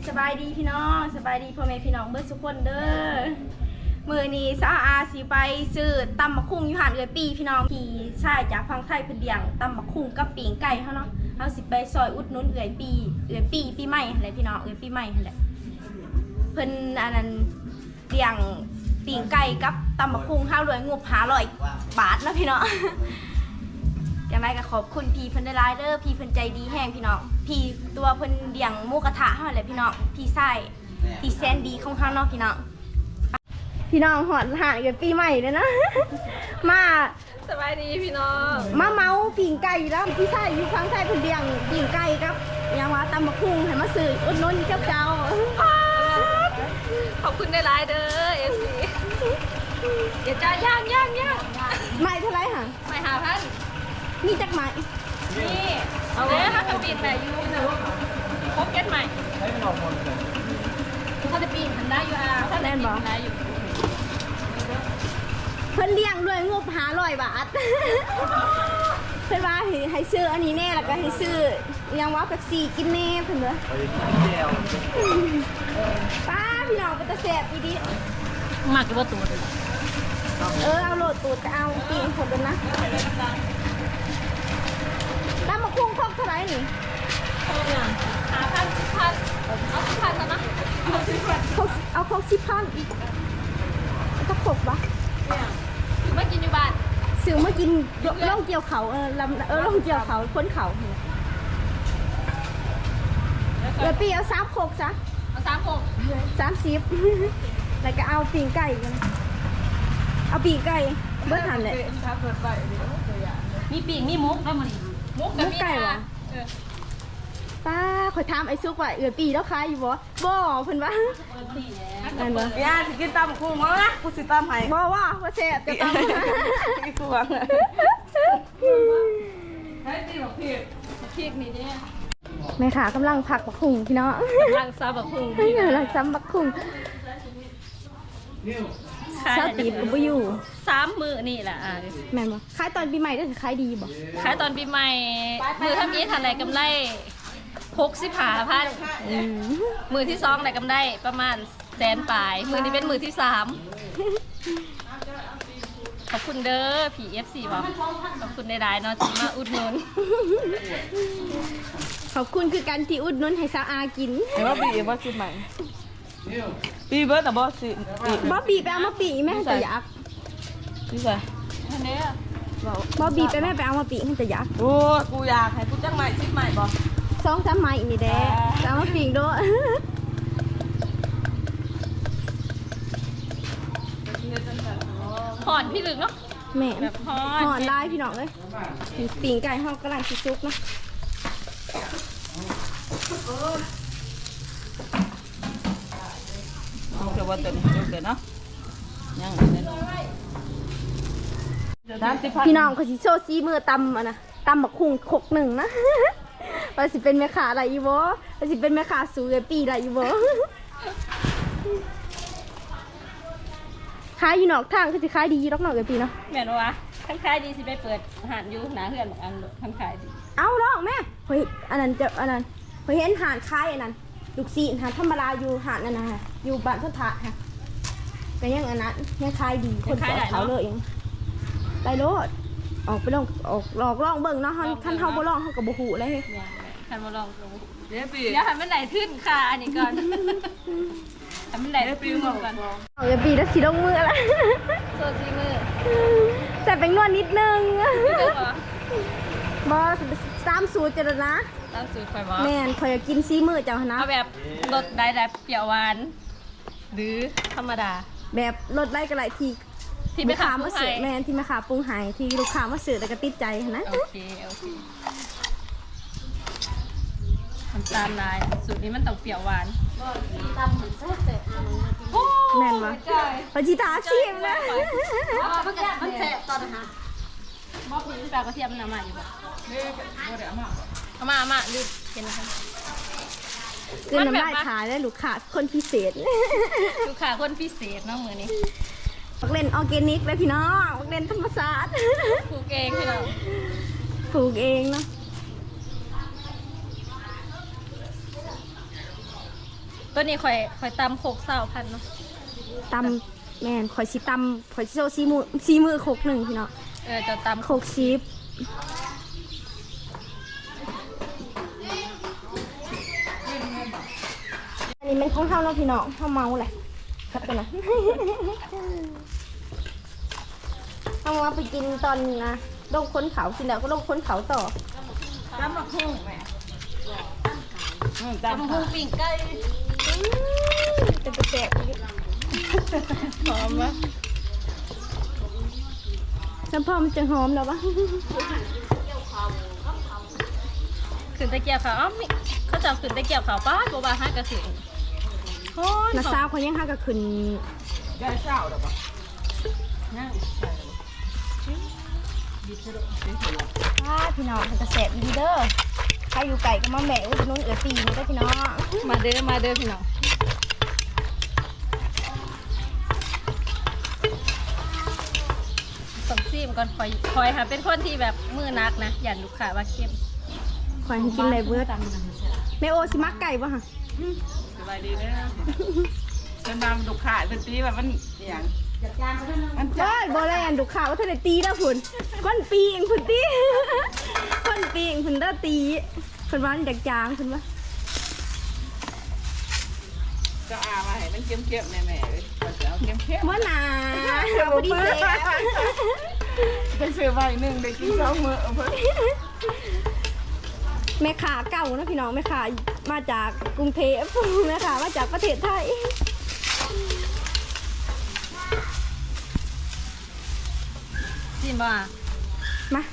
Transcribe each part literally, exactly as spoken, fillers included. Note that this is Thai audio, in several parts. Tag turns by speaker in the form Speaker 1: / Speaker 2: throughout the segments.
Speaker 1: สบายดีพี่น้องสบายดีพ่อแม่พี่น้องเบิร์สุกคนเด้อมือนี้สาวอาสีไปซื้อตำบักคุ้งอยู่หานเอือปีพี่น้องพี่ชายจากฟังไทยเพิ่นเลี้ยงตำบักคุ้งกับปีงไก่เขาเนาะเขาสิไปซอยอุดหนุนเอือปีเอือปีปีใหม่อะไรพี่น้องเอือปีใหม่อะไรเพิ่นอันนั้นเลี้ยงปีงไก่กับตำบักคุ้งข้าวรวยงบหาร้อยบาทนะพี่น้องอย่างไรก็ขอบคุณพี่เพิ่นได้หลายเด้อพี่เพิ่นใจดีแห้งพี่น้องพี่ตัวเพิ่นเลี้ยงหมูกระทะเฮาแหละพี่น้องพี่ไส้พี่แซนดีของเฮาเนาะพี่น้องพี่น้องหอดหาเกิดปีใหม่เลยนะมา
Speaker 2: สบายดีพี่น้อง
Speaker 1: มาเมาปิ่งไก่แล้วพี่ไส้อยู่ข้างไส้เพิ่นเลี้ยงปิ่งไก่ครับยังว่าตำบักหุ่งให้มาซื้ออุดหนุนเจ้าเจ้า
Speaker 2: ขอบคุณได้หลายเด้อเอฟซีเดี๋ยวจ้าย่างย่างย่าง
Speaker 1: ใหม่เท่าไรห่ะ
Speaker 2: ไม่หาพัน
Speaker 1: มีจักไหม
Speaker 2: นี่เอาเลยถ้าเขาปีนแบบยูนะพบเก็ตใหม่เขาจะปีนทันได้อยู่อ่ะเขาจะปีนทันได้อยู่
Speaker 1: เพิ่นเลี้ยงด้วยงบหาร้อยบาทเพิ่นว่าให้ซื้ออันนี้แน่แล้วก็ให้ซื้อยังว่าแบบสี่กินแน่เพิ่นเด้อป้าพี่น้องเป็นตะแสบอีดี
Speaker 2: มากกี่ว่าตัว
Speaker 1: เออเอาโหลดตูดจะเอาปีนคนเดินนะตั้มมาคุ้งครบเท่าไหร่นี่
Speaker 2: หาพันสิบพันเอาสิบพันแล้วนะเอาสิบพัน
Speaker 1: เอาครบสิบพันอีกก็ครบปะ
Speaker 2: คือไม่กินอยู่บ้าน
Speaker 1: ซื้อมากินล่องเกี่ยวเขาเออลำเออล่องเกี่ยวเขาค้นเขาเดี๋ยวปีเอาสามโคกซะ
Speaker 2: เอาสามโคก
Speaker 1: สามสิบแล้วก็เอาปีงไก่กันเอาปีงไก่เบิ้ลหันเลย
Speaker 2: มีปีกมีมุกแล้วมันมุก
Speaker 1: ไก่วะป้าคอยถามไอ้ซุกว่าเอือปีแล้วคายอยู่บ่บ่เพิ่นว่า
Speaker 3: นั่นบ่ย่าสิกินตำกุ้งมั้งนะกูสิตำให้
Speaker 1: บ่ว่าว่าแซ่บจะตำ
Speaker 3: อีกวง
Speaker 2: ให้ตีบอกพี่พี่นี่เนี่ย
Speaker 1: แม่ขากำลังผักบักหุ่งพี่น้อง
Speaker 2: กำลังซ้ำบักหุ่ง
Speaker 1: กำลังซ้ำบักหุ่งเช้าตีบก็บ่อยู่
Speaker 2: สามมือนี่แหละอ่ะ
Speaker 1: แม่นบ่ขายตอนปีใหม่ได้ขายดีบ่
Speaker 2: ขายตอนปีใหม่มือทำนี้ทันไหนกำไรหกสิบห้าพันมือที่สองไหนกำไรประมาณแสนปลายมือนี้เป็นมือที่สามขอบคุณเด้อผีเอฟซีบอกขอบคุณในรายเนาะที่มาอุดหนุน
Speaker 1: ขอบคุณคือการที่อุดหนุนให้สาวอากิน
Speaker 3: แต่ว่าปีว่าสิใหม่ปีเบิร์ดแต่บอสสิ
Speaker 1: บอบบี้ไปเอามาปีแม่ให้แต่ยัก
Speaker 3: นี่ใส่
Speaker 2: อันนี้
Speaker 1: บอบบี้ไปแม่ไปเอามาปีให้แต่ยัก
Speaker 3: โอ้กูอยากให้กูจังใหม่ชิดใหม่บอ
Speaker 1: สองสามไม้นี่แดะเอามาปีด้วย
Speaker 2: ห่อนพี่ลึกเนาะ
Speaker 1: แม่
Speaker 2: แบบห่อน
Speaker 1: ห่อนได้พี่น้องเลยปีงไก่ห้องกำลังซุกเนาะ
Speaker 3: เดี๋ยวว่าตัวนี้เดี๋ยวเนาะยัง
Speaker 1: พี่น้องเขาสิโชว์ซีมือตำอ่ะนะตำบักคุ้งขกหนึ่งนะว่าสิเป็นแม่ค้าอะไรอีโบว่าสิเป็นแม่ค้าสูงเลยปีอะไรอีโบขายอยู่นอกทางคือสิขายดีรอกนอกเลยปีเนาะ
Speaker 2: แม่นวะทั้งขายดีสิไปเปิดหานอยู่หนาเฮือนบอกอันทั้งขายดี
Speaker 1: เอาลองแม่เฮ้ยอันนั้นจะอันนั้นเฮ้ยเห็นหานขายอันนั้นลูกซีหานธรรมดาอยู่หานนั่นนะฮะอยู่บ้านพุทธะค่ะแต่ยังอันนั้นยังขายดีคนขายเขาเลยเองได้รถออกไปลองออกลองลองเบิ่งเนาะท่านเฮาบ่ลองเฮากับบ่ฮู้เลย
Speaker 2: ท่านบ่ลองเดี๋ยวปีเดี๋ยวให้มันไหลขึ้นค่ะอันนี้ก่อนให้มันไหลปีก่อน
Speaker 1: เอาอย่าปีแล้วสิลงมือละ
Speaker 2: โซซีมือ
Speaker 1: ใส่เป็นนวดนิดนึงบ่ตามสูตรจ้ะนะ
Speaker 2: ตามสูตรข่อยบ่
Speaker 1: แม่นข่อยกินซีมือเจ้านะ
Speaker 2: เอาแบบรสได้แบบเปรี้ยวหวานหรือธรรมดา
Speaker 1: แบบรสไล่กระไรทีที่ลูกค้ามาเสิร์ฟแม่ที่แม่ค้าปรุงหายที่ลูกค้ามาเสิร์ฟแล้วก็ติดใจนะ
Speaker 2: โอเคโอเคน้ำตาลลายสูตรนี้มันต้องเปรี้ยวหวานตำเหมือนแซ่บแต่
Speaker 1: แม่นวะปจิตาชิมนะ
Speaker 2: มันแซ่บตอนนะคะมอบนี้แปลกระเทียมน้ำมันอยู่บ่เอามาเอามาลืมเป็นอะไร
Speaker 1: คือน้ำลายขายได้ลูกค้าคนพิเศษ
Speaker 2: ลูกค้าคนพิเศษเนาะมือนี้
Speaker 1: ปักเล่นออร์แกนิกเลยพี่น้องปักเล่นธรรมชาติ
Speaker 2: ปลูกเองพี่น้อง
Speaker 1: ปลูกเองเนาะ
Speaker 2: ตัวนี้ข่อยข่อยตำโคกเศร้าพันเนาะ
Speaker 1: ตำแม่นข่อยสิตำข่อยสิโซซีมือซีมือโคกหนึ่งพี่น้อง
Speaker 2: เออเจะตำ
Speaker 1: โคกซีฟอันนี้เป็นของเฮาเนาะพี่น้องเฮาเมาแหละครับกันนะ เฮามาไปกินตอนนะลงค้นเขากินแล้วก็ลงค้นเขาต่อ
Speaker 3: ตำบักหุ่งแม่อืม
Speaker 2: ตำ
Speaker 3: ตำ
Speaker 2: หู
Speaker 3: หุ่ง
Speaker 2: ปิ่งไก่
Speaker 1: เป็นกระแสหอมวะน้ำพอมันจะหอมแล้ววะ
Speaker 2: ขึ้นตะเกียบเขาวอ้าวมิเขาจะเอาขึ้นตะเกียบเขาวป้าบัวบาห้ากระสือโอ้ย
Speaker 1: นาซาวเขายังห้าก็ขึ้น
Speaker 3: ได้เช้าหรอปะนั่ง
Speaker 1: ว้าพี่น้องเป็นกระแสดีเด้อใครอยู่ไก่ก็มาแม่อุดหนุนเอือตีนี่ก็พี่น้อง
Speaker 2: มาเด้อมาเด้อพี่น้องสมซีมก่อนคอยคอยค่ะเป็นคนที่แบบมือนักนะอย่าลูกค้าว่าเข้ม
Speaker 1: ขอให้กินอะไรเบิร์ดแม่โอสิมักไก่ป่ะฮะ
Speaker 3: สบายดีเด้อจะนำดุขาดเป็นตีแบบมันอย่างมันจะ
Speaker 1: เฮ้ยโบแลนดูข่าวว่าเธอได้ตีแล้วคุณก้นปีเองคุณตี ก้นปีเองคุณได้ตีคุณว่ามันจากจางคุณว่า
Speaker 3: จะอามาให้มันเข้มๆแม่ๆเลยก็จะเอาเข้ม
Speaker 1: ว่าหนาบอดี้เซฟ
Speaker 3: ๆไปซื้อใบหนึ่งได้กินสองมื้อเอาเพิ่น
Speaker 1: แม่ขาเก่านะพี่น้องแม่ขามาจากกรุงเทพแม่ขามาจากประเทศไทย
Speaker 2: ซีมบ่า
Speaker 1: มา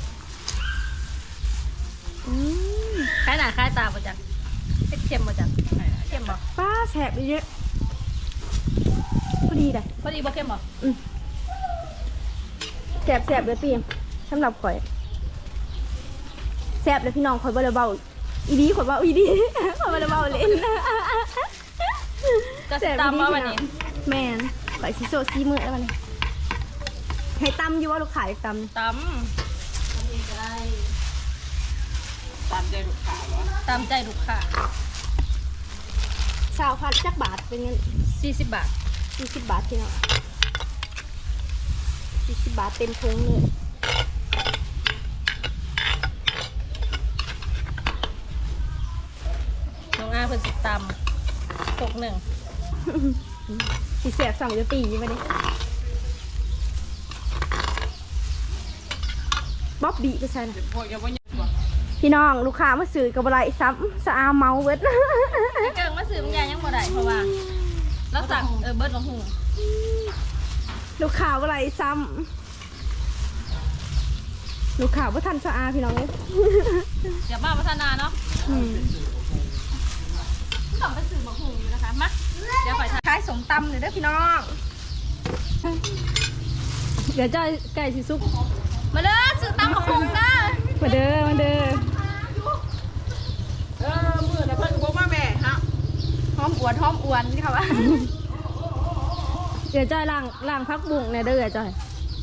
Speaker 1: อืม
Speaker 2: คล้ายหน้าคล้ายตาบ่จักเผ็ดเค็มบ่จักเค็มบ่
Speaker 1: ป้าแสบเยอะพอดีเลย
Speaker 2: พอดีบ่เค็มบ่
Speaker 1: แสบแสบเลยปีเองสำหรับข่อยแสบเลยพี่น้องข่อยบ่ได้เบาอีดีข่อยเบาอีดี ข่อยบ่ได้เบาเล่น
Speaker 2: ก็สิตามว่าวันนี้
Speaker 1: แม่นข่อยสิโซซีมือแล้ววันนี้ให้ตำอยู่ว่าลูกขายตำ
Speaker 2: ต
Speaker 3: ตามใจดุขาดวะ
Speaker 2: ำตามใจลูกค้า
Speaker 1: ชาวพัดจักบาทเป็นเงิน
Speaker 2: สี่สิบบาท
Speaker 1: สี่สิบบาทพี่น้องสี่สิบบาทเต็มถุงเลย
Speaker 2: น้องอาเพิ่นสิตำตกหนึ่ง
Speaker 1: สีแสบสั่งจะตีมาดิบ๊อบบี้ไปใช่นะ
Speaker 3: พวกยังบ่ยังบ่
Speaker 1: พี่น้องลูกค้ามาซื้อกับอะไรซ้ำสะอาเมาเวิร์ด
Speaker 2: ไอ้เกิงมาซื้อมันยายังบ่ได้เพราะว่าเราสั่งเออเบิร์ดของหู
Speaker 1: ลูกค้าอะไรซ้ำลูกค้าว่าทันสะอาพี่น้องเลย
Speaker 2: เดี๋ยวมาพัฒนาเนาะ
Speaker 1: อืม
Speaker 2: ต้องไปซื้อของหูอยู่นะคะมาเดี๋ยวขอทาน
Speaker 1: ขายสมตำเลยเด้อพี่น้อง เดี๋ยวจะไก่สิซุป
Speaker 2: มาเด้อซื้อตำของหูเด้อ
Speaker 1: มาเด้อมาเด้อ
Speaker 3: เออมื้อน่ะเพิ่นบ่มาแม่ฮะ
Speaker 1: หอมอวดหอมอวนค่ะว่า เดี๋ยวจอยล้างล้างพักบุ้งเนี่ยเด้อจอย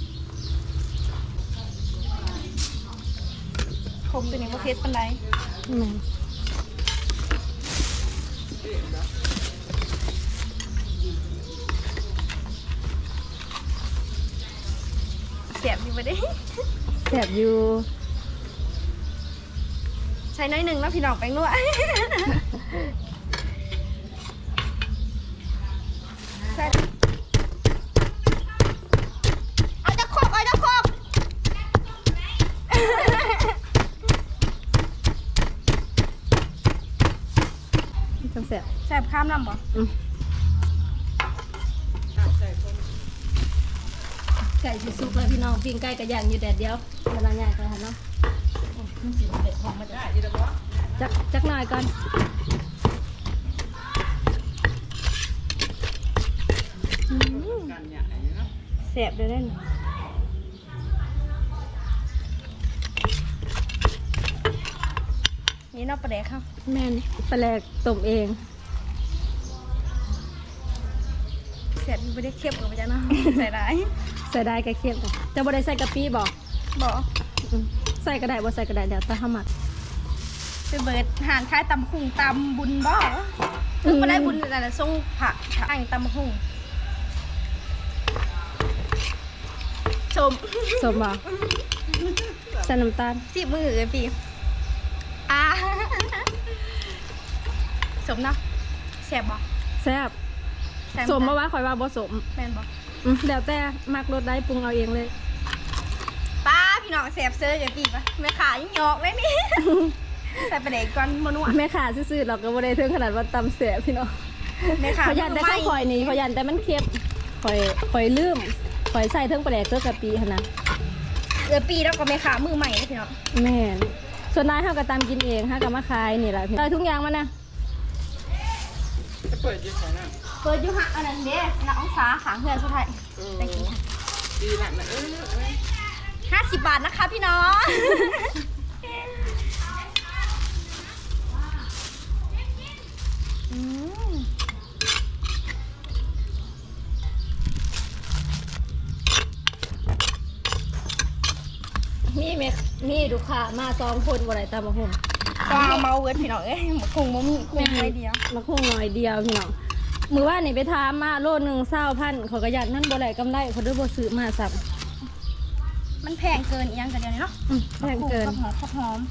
Speaker 1: คมตัวนี้ว่าเพชรปันไดแสบอยู่ไปดิแสบอยู่ใช้น้อยหนึ่งแล้วพี่น้องแป้งนวดเอาจะครบเอาจะครบจังแสบแสบข้ามลำบ่ไก่สิสุกเลยพี่น้องปิ้งไก่กระย่างอยู่แดดเดียวเวลาย่างกันเนาะจักจักหน่อยก่อนแสบเลยเล่นนี่นอกปลาแดกครับแม่นปลาแดกต้มเองแสบไม่ได้เค็มกับจ้ะเนาะ ใส่ได้ใส่ได้ก็เค็มจ้ะจะบ่ได้ใส่กะปิบอกบอกใส่ก็ได้บ่ใส่ก็ได้เดี๋ยวตาหมักไปเบิดหานคล้ายตำคุงตำบุญบ่คือมาได้บุญแต่ละส่งผักอังตำหุ่งชม
Speaker 2: สมบ่ใส่น้ำตาล
Speaker 1: จีบมือเลยปีอ่าสมเนาะแสบบ่
Speaker 2: แซ่บ
Speaker 1: แซ่บ
Speaker 2: สมบ่ว่าข่อยว่าบ่สม
Speaker 1: แม่นบ่
Speaker 2: อืมเดี๋ยวแต่มักรสได้ปรุงเอาเองเลย
Speaker 1: ป้าพี่น้องแสบเซอร์อย่าปีปะแม่ขายังหยอกเลยนี่ แต่ประเด็นก่อนมนัว
Speaker 2: แม่ขาซื่อๆเราก็บ่ได้ถึงขนาดว่าตำแซ่บพี่น้อง
Speaker 1: แม่ขา
Speaker 2: ขอยยันแต่ข้าวข่อยนี่ขอยยันแต่มันเค็มข่อยข่อยลืมข่อยใส่เทิงปลาแดกเกลือกะปิหั่นนะ
Speaker 1: เออปีแล้วก็แม่ขามือใหม่นะพี่น้อง
Speaker 2: แม่นส่วนนายเฮาก็ตำกินเองเฮาก็มาขายนี่ล่ะพี่ได้ทุกอย่างมันนะ
Speaker 3: จะเปิดยังไงนะ
Speaker 1: เปิดอยู่หักอันนั้นเด้น้องสาขางเพื่อนสุดท้ายไปกินค่ะ
Speaker 3: ดีหนักนะเออเออ
Speaker 1: ห้าสิบบาทนะคะพี่น้อง อืม
Speaker 2: มีแม่มีลูกค้ามาสองคนบ่ได้ตำบักหุ่ง
Speaker 1: ก็เอาเมาเวิร์ดพี่น้องเอ้ยหมกคงบ่มีคงไม่เดียว
Speaker 2: มาคงหน่อยเดียวพี่น้องมื้อว่านนี่ไปถามมาโลนึงเศร้าพันเขาก็ยันมันบ่ได้กำไรเขาด้วยบ่ซื้อมาซ้ำ
Speaker 1: มันแพงเกินอีกอยังกันเดียวนี้เนาะ
Speaker 2: อืมแพงเกิน
Speaker 1: ข้าวหอมข้าวหอม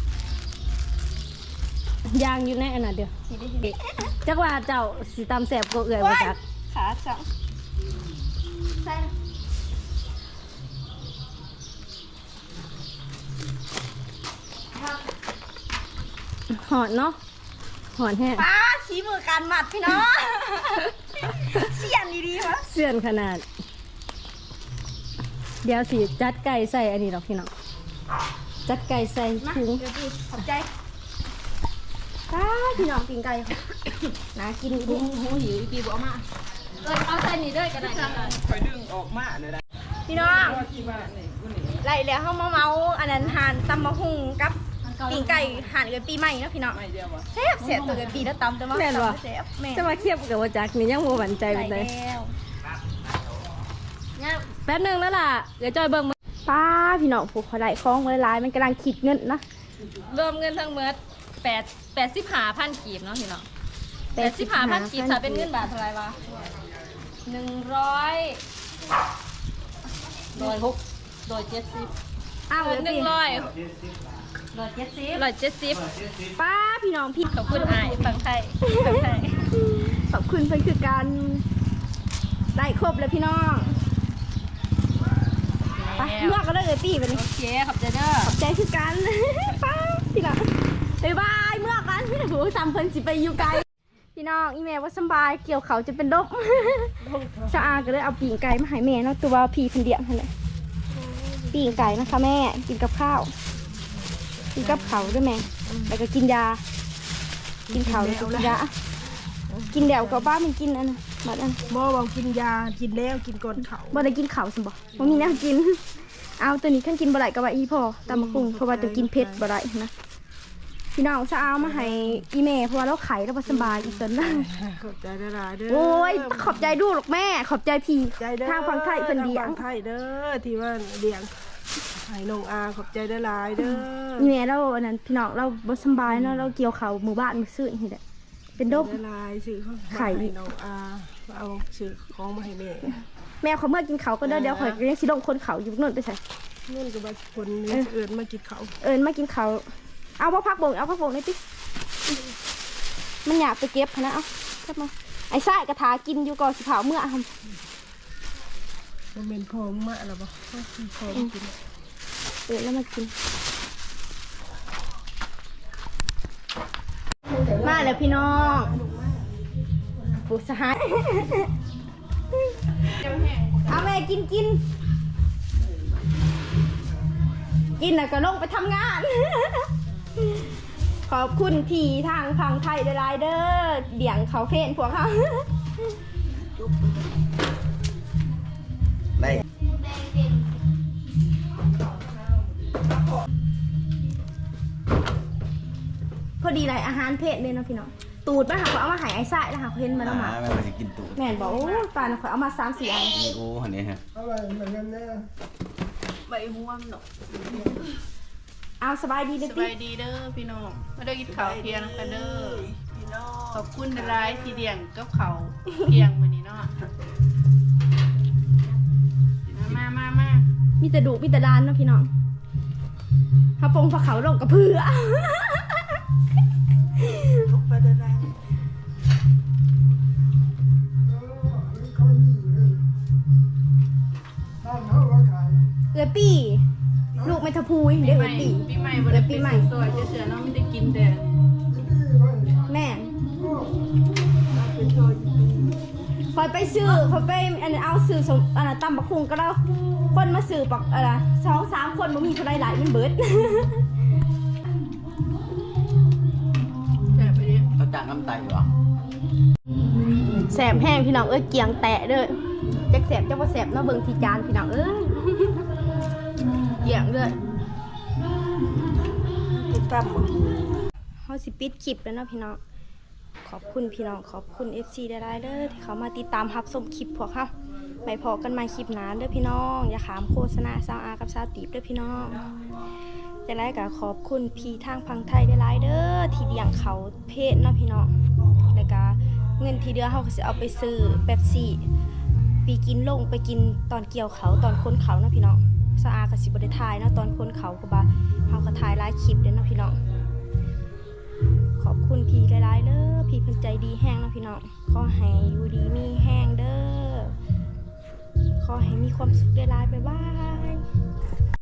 Speaker 2: ยางอยู่ในอันนั้นเดียว
Speaker 1: นี่ได้ยิน
Speaker 2: จักว่าเจ้าสิตำแซ่บกว่าเอื้อยบ่จัก
Speaker 1: ขาจังใช่นะ
Speaker 2: หอนเนาะหอนแห้ง
Speaker 1: ป้าชี้มือการหมัดพี่น้อง เสียนดีๆวะ
Speaker 2: เสื่อนขนาด เดี๋ยวสิจัดไก่ใส่อันนี้หรอกพี่น้องจัดไก่ใส่
Speaker 1: มา
Speaker 2: ถุง
Speaker 1: เดี๋ยวพี่ขอบใจป้าพี่น้องกินไก่ค่ะ น่ากินดี
Speaker 2: หูหูหิวปีบอกมาเออเอาใส่นี่ด้วยก็ได้
Speaker 3: คอยดึงออกมาเลยนะ
Speaker 1: พี่น้อง
Speaker 3: ที่บ้านนี่กูนี่
Speaker 1: ไล่แล้วเขามาเมาอันนั้นหานตำมะฮุงกับปิ่งไก่หานเกิดปีใหม่เนาะพี่น้อง
Speaker 3: ไม่เดียววะ
Speaker 1: แซ่บแซ่บตัวเกิดปีแล้วตำแต่ว่าตำแซ่บแม่
Speaker 2: จะมาเทียบกับว่าจักนี่ยังโมหวั่นใจ
Speaker 1: ใส่
Speaker 2: ไปเลย
Speaker 1: แล้ว
Speaker 2: แป๊บหนึงแล้วล่ะเดี๋ยวจอยเบิ่งมือ
Speaker 1: ป้าพี่น้องผูกเขาได้คล้องไว้ลายมันกำลังคิดเงินนะ
Speaker 2: รวมเงินทั้งหมดแปดแปดสิบห้าพันกีบเนาะพี่น้องแปดสิบห้าพันกีบถ้าเป็นเงินบาทเท่าไหร่วะหนึ่งร้อยร้อยหกร้อยเจ็ดสิบ
Speaker 1: อ้าว
Speaker 2: หนึ่งร้อย
Speaker 1: ร้อยเจ็ดสิบ
Speaker 2: ร้อยเจ็ดสิบ
Speaker 1: ป้าพี่น้องพี่
Speaker 2: ขอบคุณอ้ายฟังไทยฟังไทย
Speaker 1: ขอบคุณเพื่อนคือการได้ครบแล้วพี่น้องไปเมื่อก็ได้เลยปีไปนี่
Speaker 2: โอเคขอบใจเด้อ
Speaker 1: ขอบใจคือกัน ป้าพี่น้องบ๊ายบายเมื่อกันโหจำเพิ่นสิไปอยู่ไกลพี่น้องอีเมลว่าสบายเกี่ยวเขาจะเป็นดบ ชาอาก็เลยเอาปีงไก่มาให้แม่เนาะตัวพีเพิ่นเดียงนั่นแหละปีงไก่นะคะแม่กินกับข้าวกินกับเขาวด้วยแม่แล้วก็กินยา กินเขาวแล้วก็กินยากินเดี๋ยวก็บ้ามันกินอันน่ะบัดอัน
Speaker 4: บ่บอกกินยากินแล้วกินก่อนเขา
Speaker 1: บ่ได้กินเขาวสิบ่บ่มีแนวกิน เอาตัวนี้ขั้นกินบ่ได้ก็ว่าอีพอตามมาคุงเพราะว่าตัวกินเผ็ดบ่ได้นะพี่น้องจะเอามาให้อีแม่เพราะว่าเราไข่เราบ่สบายอีกตนนั้น
Speaker 4: ขอบใจได้หลายๆเด้อ
Speaker 1: โอ้ยขอบใจดูหรอกแม่ ขอบใจพี่
Speaker 4: ใจเด้อ
Speaker 1: ทางฝั่งไทยเพิ่นเดีย
Speaker 4: ทาง ฝั่งไทยเด้อที่ว่าเดียงให้น้องอาขอบใจได้หลายๆเด้อ
Speaker 1: อีแม่เราอันนั้นพี่น้องเราบ่สบายเนาะเราเกี่ยวเขาวหมู่บ้านมื้อซื่นนี่แหละเป็นดบ
Speaker 4: ได้หลายซื้อของ
Speaker 1: ไข่
Speaker 4: มาให้น้องอาเอาซื้อของมาให้แม่
Speaker 1: แม่เขาเมื่อกินเขาวก็เด้อเดี๋ยวข่อยก็ยังสิลงคนเขาอยู่นู่นไปใส่
Speaker 4: เงินก็บ่คนนี้เอิ้นมากินเขาว
Speaker 1: เอิญมากินเขาวเอาพ่อพักบงเอาพักบงหน่อยติมันอยากไปเก็บพะนะเอากลับมาไอ้ไส้กระถากินอยู่ก่อนสิเผาเมื่อทำ
Speaker 4: บ่แม่นพอมาแล้วบ่พอกิน
Speaker 1: เอิญแล้วมากิน มาแล้วพี่น้องปูสหายเอาแม่กินกินกินแล้วก็ลงไปทำงาน ขอบคุณที่ทางฝั่งไทยหลายๆเด้อเดี่ยงเขาเพ่นพวกเขา
Speaker 5: ได้
Speaker 1: พอดีเลยอาหารเพศเลยเนาะพี่น้องตูดมาหาเขาเอามาใหายไอ้ไส้แล้วหาเขาเห็นมาแล้วมา
Speaker 5: ไม่ว่าจะกินตูด
Speaker 1: แม่นบอกโอ้ปลาน่ะเขาเอามาสามสี่อัน
Speaker 5: นี่โอ้หันนี้ฮะ
Speaker 3: ใบม่วงเนาะ
Speaker 1: เอาสบายดีเด้อ
Speaker 3: ส
Speaker 1: ติ
Speaker 3: บายดีเด้อพี่น้องมาได้กินข้าวเที่ยงกันเด้อขอบคุณหลายที่เลี้ยงกับเขาเพียงมื้อนี้เนาะมามามา
Speaker 1: มีแต่ดุมีแต่ดานเนาะพี่น้องพระปงพระเขาลงกับเพื่อ เอือปี้ลูกไม่ทะพูยเดี๋ยวเอือปี้
Speaker 3: ปีใหม่บ่ได้ปีใหม่ซอยจะเสือเนาะไม่ได้กินแต่
Speaker 1: แม่คอยไปซื้อคอยไปอันนั้นเอาซื้อสมอันนั้นตำบักคุงก็แล้วคนมาซื้อปักอะไรสองสามคนมันมีคนใดหลายมันเบิด
Speaker 3: แซ่บไปดิ
Speaker 5: เขาจ้างน้ำไตเหรอ
Speaker 1: แสบแห้งพี่น้องเอ้ยเกียงแตะเด้อจักแสบจักบ่แสบเนาะเบิ่งที่จานพี่น้องเอ้ย เกียงเด้อ
Speaker 4: ตั้ม
Speaker 1: เฮาสิปิดคลิปแล้วเนาะพี่น้องขอบคุณพี่น้องขอบคุณ เอฟ ซี ได้ๆเด้อที่เขามาติดตามรับชมคลิปพวกเฮาไปพอกันใหม่คลิปหน้าเด้อพี่น้องอย่าขามโฆษณาซาวอากับซาวตีบเด้อพี่น้องจะได้ก็ขอบคุณพี่ทางพังไทยได้หลายเด้อที่เลี้ยงเขาเพศเนาะพี่น้องแล้วก็เงินที่เดือเฮาก็สิเอาไปซื้อเป๊ปซี่ปีกินลงไปกินตอนเกี่ยวเขาตอนคนเขาเนาะพี่น้องซาวอาก็สิบ่ได้ถ่ายเนาะตอนคนเขาก็บ่าเฮาก็ถ่ายหลายคลิปเด้อเนาะพี่น้องขอบคุณพี่หลายๆเด้อพี่เพิ่นใจดีแห้งเนาะพี่น้องขอให้อยู่ดีมีแห้งเด้อขอให้มีความสุขหลายๆบ๊ายบาย